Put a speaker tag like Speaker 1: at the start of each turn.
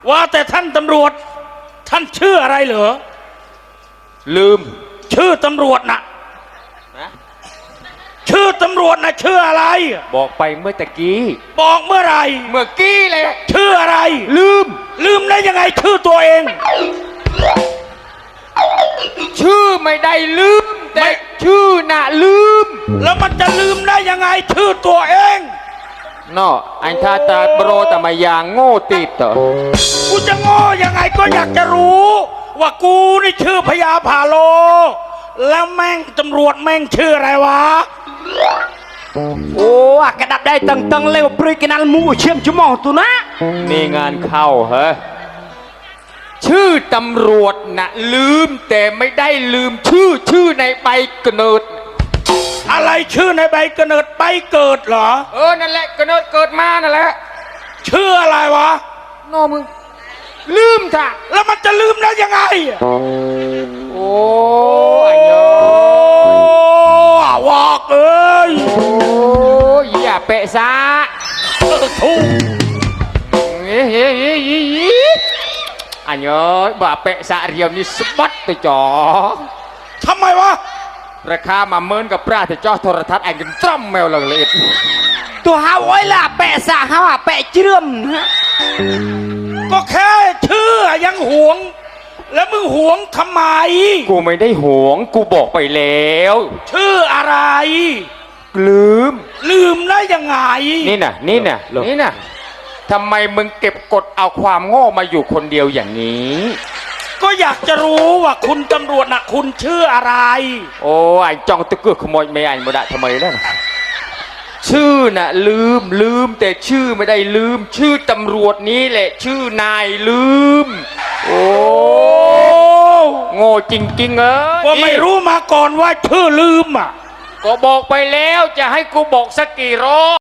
Speaker 1: ว่าแต่ท่านตำรวจท่านชื่ออะไรเหรอ
Speaker 2: ลืม
Speaker 1: ชื่อตำรวจนะชื่อตำรวจนะชื่ออะไร
Speaker 2: บอกไปเมื่อตะกี้
Speaker 1: บอกเมื่อไร
Speaker 2: เมื่อกี้เลย
Speaker 1: ชื่ออะไร
Speaker 2: ลืม
Speaker 1: ได้ยังไงชื่อตัวเอง
Speaker 2: ชื่อไม่ได้ลืมแต่ชื่อน่ะลืม
Speaker 1: แล้วมันจะลืมได้ยังไงชื่อตัวเอง
Speaker 2: นออันท่าตาโปรแต่มายางโง่ติดต่อ
Speaker 1: กูจะโง่ยังไงก็อยากจะรู้ว่ากูนี่ชื่อพญาพาโลแล้วแม่งตำรวจแม่งชื่ออะไรวะ
Speaker 3: โอ้กระดับได้ตังเร็วปริกินัลมูเชื่อมจุมองตัวนะ
Speaker 2: นี่งานเข้าเหรอชื่อตำรวจน่ะลืมแต่ไม่ได้ลืมชื่อในใบกำเนิด
Speaker 1: อะไรชื่อในใบกำเนิดใบเกิดเหรอ
Speaker 2: นั่นแหละกำเนิดเกิดมานั่นแหละ
Speaker 1: ชื่ออะไรวะ
Speaker 2: นอมึงลืมท่ะ
Speaker 1: แล้วมันจะลืมได้ยังไง
Speaker 2: โอ้
Speaker 1: ยวอกเอ้ย
Speaker 2: โอ้ยอย่าเปะซะ
Speaker 1: ทุ่ง
Speaker 2: อันเยอะบ่าเปะซะเรียวนี่สบัดตัวจ่อ
Speaker 1: ทำไมวะ
Speaker 2: ราคามาเมินกับปลาแต่จ่อโทรทัศน์ไอ้กันจ้ำแมวเลย
Speaker 3: ตัวฮาวไว้ล่ะแปะสะฮาวแปะเชื่อม
Speaker 1: ก็แค่ชื่อยังหวงแล้วมึงหวงทำไม
Speaker 2: กูไม่ได้หวงกูบอกไปแล้ว
Speaker 1: ชื่ออะไร
Speaker 2: ลืม
Speaker 1: ได้ยังไง
Speaker 2: นี่น่ะทำไมมึงเก็บกดเอาความโง่มาอยู่คนเดียวอย่างนี้
Speaker 1: ก็อยากจะรู้ว่าคุณตำรวจน่ะคุณชื่ออะไร
Speaker 2: โอ้ไอ้จ้องตะเกือกขโมยไม่ไอ้มาได้ทำไมล่ะชื่อน่ะลืมแต่ชื่อไม่ได้ลืมชื่อตำรวจนี้แหละชื่อนายลืมโอ้โง่จริงๆ
Speaker 1: ว่าไม่รู้มาก่อนว่าชื่อลืมอ่ะ
Speaker 2: ก็บอกไปแล้วจะให้กูบอกสักกี่รอบ